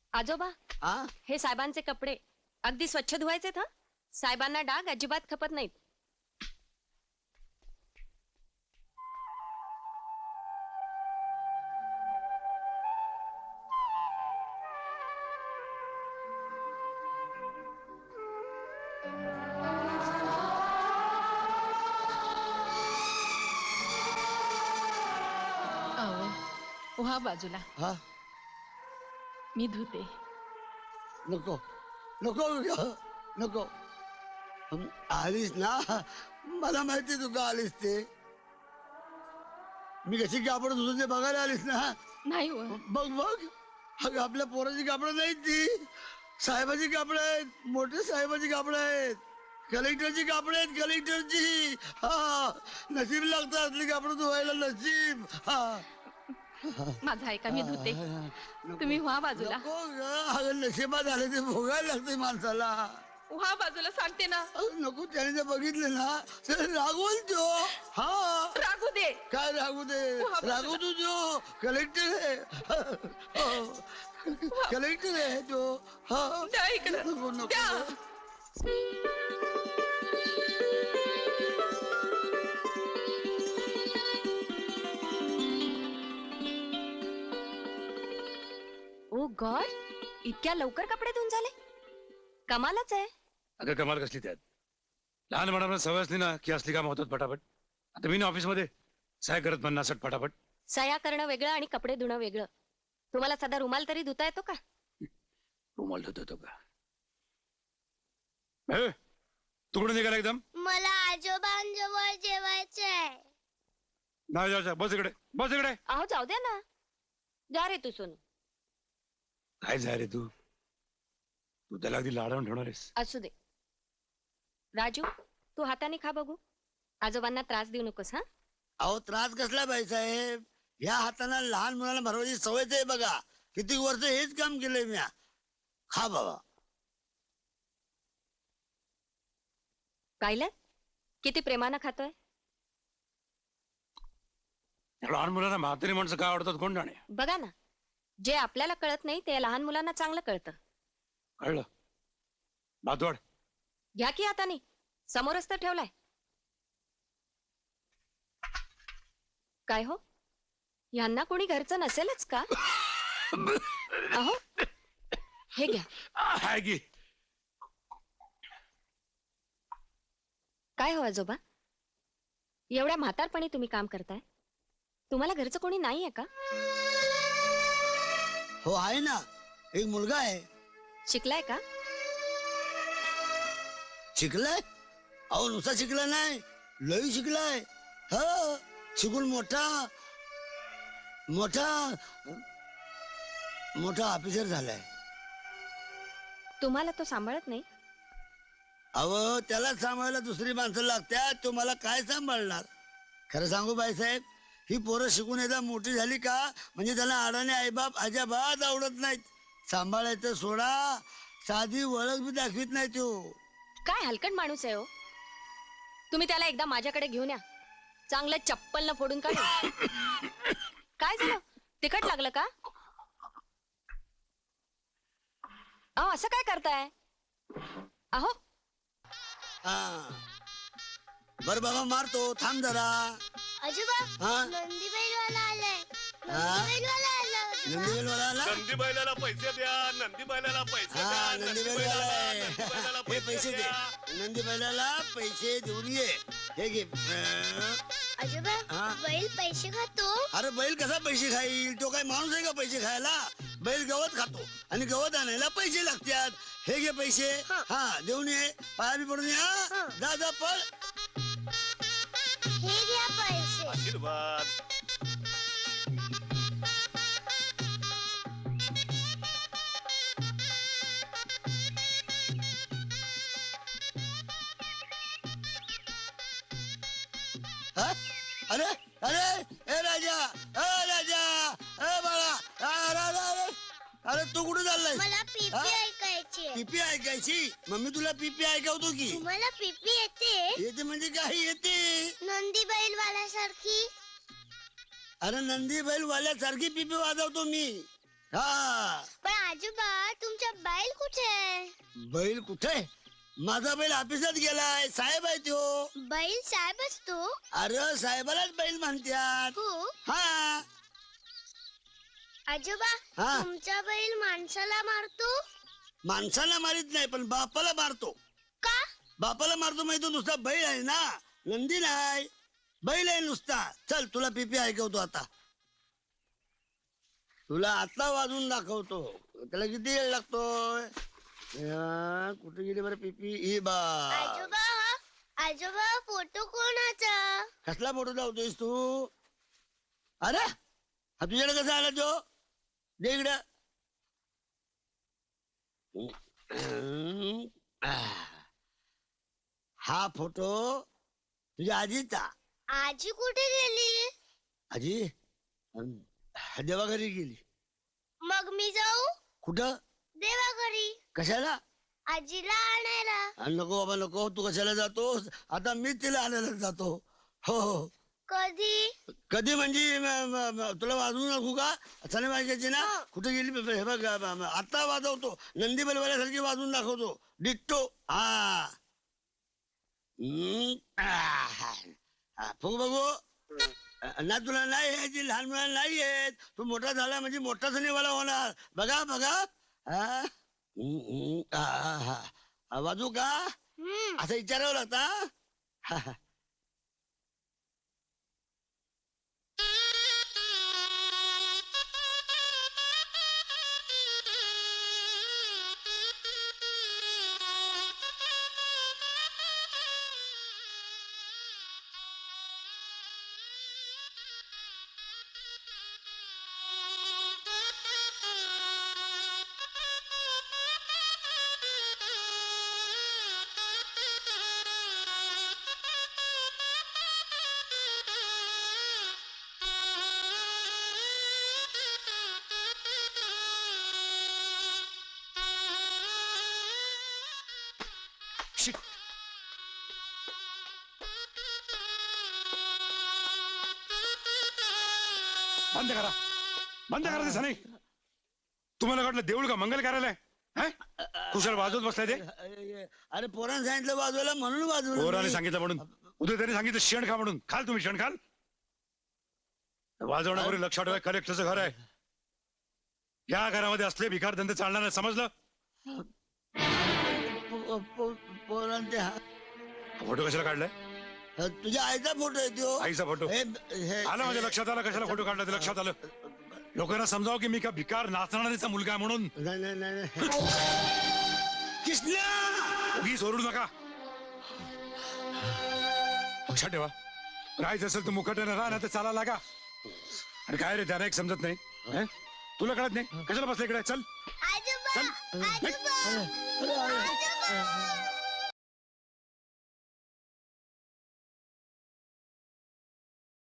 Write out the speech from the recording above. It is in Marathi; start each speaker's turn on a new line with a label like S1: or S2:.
S1: आजोबा,
S2: हा
S1: हे साहेबांचे कपडे अगदी स्वच्छ धुवायचे हा. साहेबांना डाग अजिबात खपत नाहीत.
S3: अहो व्हा बाजूला,
S2: हा
S3: मी धुते.
S2: नको नको नको आलीस ना, मला माहिती तू का आलीस ते. मी कशी कापड धुतो ते बघायला आलीस ना.
S3: नाही हो,
S2: बघ बघ, अगं आपल्या पोराची कापडं नाहीत ती, साहेबाची कापडं आहेत, मोठे साहेबाची कापडं आहेत, कलेक्टरची कापडं आहेत, कलेक्टरची. हा नशीब लागतं असली कापडं धुवायला, नशीब. हा
S3: माझं ऐका, मी धुते.
S2: नको.
S3: तुम्ही व्हा बाजूला.
S2: नको ग, अगं नशिबात आले ते भोगायला लागते माणसाला.
S3: व्हा बाजूला सांगते ना.
S2: नको, त्याने जर बघितले ना तर रागवल तो. हा
S3: रागू दे.
S2: काय रागू दे, रागू तू जो कलेक्टर आहे. कलेक्टर आहे तो. हा
S3: द्या इकडं.
S2: नको नको.
S3: द्या.
S1: ओ गॉड, इतक्या लवकर कपडे धुवून झाले? कमालच आहे.
S4: अगं कमाल कसली त्यात, लहानपणापासून सवय असली ना की असली कामं होतात पटापट. आता मी ना ऑफिसमध्ये सहाय करत म्हणणार असत पटापट.
S1: सया करणं वेगळं आणि कपडे धुणं वेगळं. तुम्हाला साधा रुमाल तरी धुता येतो का?
S4: रुमाल धुत होतो का? तू कुठे निघाला एकदम?
S5: मला आजोबांजवळ जेवायचंय.
S4: नाही जायचं, बस इकडे, बस इकडे.
S1: अहो जाऊ द्या ना, जा रे तू सोनू.
S4: काय जाय रे तू, तू त्याला अगदी लाडावून ठेवणार आहेस.
S1: असू दे. राजू, तू हाताने खा बघू. आजोबांना त्रास देऊ नकोस हा.
S2: अहो त्रास कसला बाईसाहेब, या हाताना लहान मुलाला भरवायची सवयच आहे बघा. किती वर्ष हेच काम केलंय मी. खा बाबा.
S1: पाहिलं किती प्रेमानं खातोय.
S4: लहान मुलांना म्हातारी माणसं काय आवडतात कोण जाणे.
S1: बघा ना, जे आपल्याला कळत नाही ते लहान मुलांना चांगलं कळतं.
S4: कळलं? भातवाड
S1: घ्या की हाताने, समोरच तर ठेवलाय. काय हो, यांना कोणी घरचं नसेलच का? अहो हे घ्या.
S4: आहे की.
S1: काय हो आजोबा, एवढ्या म्हातारपणी तुम्ही काम करताय, तुम्हाला घरचं कोणी नाहीये का?
S2: हो आहे ना, एक मुलगा आहे.
S1: शिकलाय का?
S2: शिकलाय? अहो नुसता शिकला नाही, लई शिकलाय. ह शिकून मोठा मोठा मोठा ऑफिसर झालाय.
S1: तुम्हाला तो सांभाळत नाही?
S2: अहो त्याला सांभाळायला दुसरी माणसं लागतात, तो मला काय सांभाळणार. खरं सांगू बाईसाहेब, ही पोरं शिकून एकदा मोठी झाली का म्हणजे त्याला अडाणी आईबाप अजिबात आवडत नाहीत. सांभाळायचं सोडा, साधी ओळख बी दाखवित नाही तो.
S1: काय हलकट माणूस आहे हो. तुम्ही त्याला एकदा माझ्याकडे घेऊन या, चांगलं चप्पल न फोडून काढू. काय झालं, तिखट लागलं का? अहो असं काय करताय? अहो
S2: बर बाबा मारतो, थांब जरा.
S5: आजोबा,
S2: हा?
S5: नंदीबैलवाला आलाय.
S2: हा?
S5: नंदीबैलवाला आला.
S2: नंदीबैलवाला आला?
S6: नंदी बैलाला पैसे द्या, नंदी बैलाला पैसे
S2: हा
S6: द्या, नंदी
S2: नंदीबैलवाला आहे.
S6: नंदी बैलाला
S2: हे पैसे दे,
S6: द्या.
S2: नंदीबैलाला पैसे देऊन ये. हे घे.
S5: आजोबा,
S2: हा?
S5: बैल पैसे खातो.
S2: अरे बैल कसा पैसे खाईल, तो काय माणूस आहे का पैसे खायला. बैल गवत खातो आणि गवत आणायला पैसे लागतात. हे घे पैसे. हा देऊन ये, पाया बी पडून या. जा जा पळ.
S5: हे घ्या पैसे.
S6: आशीर्वाद.
S2: हा? अरे अरे ए राजा, ए राजा, ए बाळा. अरे अरे अरे अरे तू कुठे चाललाय?
S5: मला पीपी
S2: हा?
S5: ऐकायची.
S2: पीपी ऐकायची? मम्मी तुला पीपी ऐकवतो की.
S5: तुम्हाला पीपी येते?
S2: येते म्हणजे काही येते.
S5: नंदी बैलवाल्यासारखी.
S2: अरे नंदी बैल वाल्यासारखी पीपी वाजवतो मी. हा
S5: पण आजोबा तुमचा बैल कुठे आहे?
S2: बैल कुठे? माझा बैल ऑफिसात गेलाय. साहेब आहे तो.
S5: बैल साहेब असतो?
S2: अरे साहेबालाच बैल म्हणतात.
S5: हो.
S2: हा
S5: आजोबा
S2: हा.
S5: तुमचा बैल माणसाला मारतो
S2: माणसाला मारित नाही पण बापाला मारतो.
S5: का?
S2: बापाला मारतो माहिती तो नुसता बैल आहे ना, नंदी नाही, बैल आहे नुसता. चल तुला पीपी ऐकवतो आता. तुला आता वाजून दाखवतो. त्याला किती वेळ लागतोय? कुठे गेली बरं पीपी? ही बा.
S5: आजोबा फोटो कोणाचा?
S2: कसला फोटो लावतोयस तू? अरे हा तुझ्याकडे कसा आला तो? दे इकडं. हा फोटो तुझ्या आजीचा.
S5: आजी कुठे गेली?
S2: आजी देवा घरी गेली.
S5: मग मी जाऊ
S2: कुठं?
S5: देवा घरी.
S2: कशाला?
S5: आजीला आणायला.
S2: नको बाबा नको. तू कशाला जातोस? आता मी तिला आणायला जातो. हो हो.
S5: कधी?
S2: कधी म्हणजे तुला वाजवू नको का? असं नाही वाजायची ना. कुठे गेली? हे बघ आता वाजवतो. नंदी बलवाल्यासारखी वाजवून दाखवतो. डिट्टो. हा फुग बघू. ना तुला नाही यायची, लहान मुलांना नाही येत. तू मोठा झाला म्हणजे मोठा सनीवाला होणार. बघा बघा. वाजू का? असं विचारावं लागतं.
S4: बंद करा, बंद करा ते सनी. तुम्हाला वाटलं देऊळ का मंगल कार्यालय? कुशल वाजवत बसलाय ते.
S2: अरे पोरानं सांगितलं वाजवायला म्हणून वाजवलं.
S4: पोराने सांगितलं म्हणून. उद्या त्यांनी सांगितलं शेण खा म्हणून. खाल तुम्ही शेण खाल. वाजवण्यावर लक्षात ठेवा. कलेक्टरचं घर आहे. या घरामध्ये असले भिकार धंदे चालणार नाही, समजलं?
S2: पोरांचे
S4: फोटो कशाला काढलाय?
S2: तुझ्या आईचा फोटो आहे तो.
S4: आईचा फोटो आला माझ्या लक्षात. आलं कशाला फोटो काढला ते लक्षात आलं. लोकांना समजावं की मी का भिकार नाचणारीचा मुलगा आहे म्हणून.
S2: नाही नाही नाही. कृष्णा
S4: उगीच ओरडू नका. लक्षात ठेवा. राहायचं असेल तर मुखट्यानं राहा, नाही तर चाला लागा. आणि काय रे त्याला एक समजत नाही. तुला कळत नाही? कशाला बसला इकडे? चल
S5: आजोबा
S4: चल.
S5: आजोबा आजोबा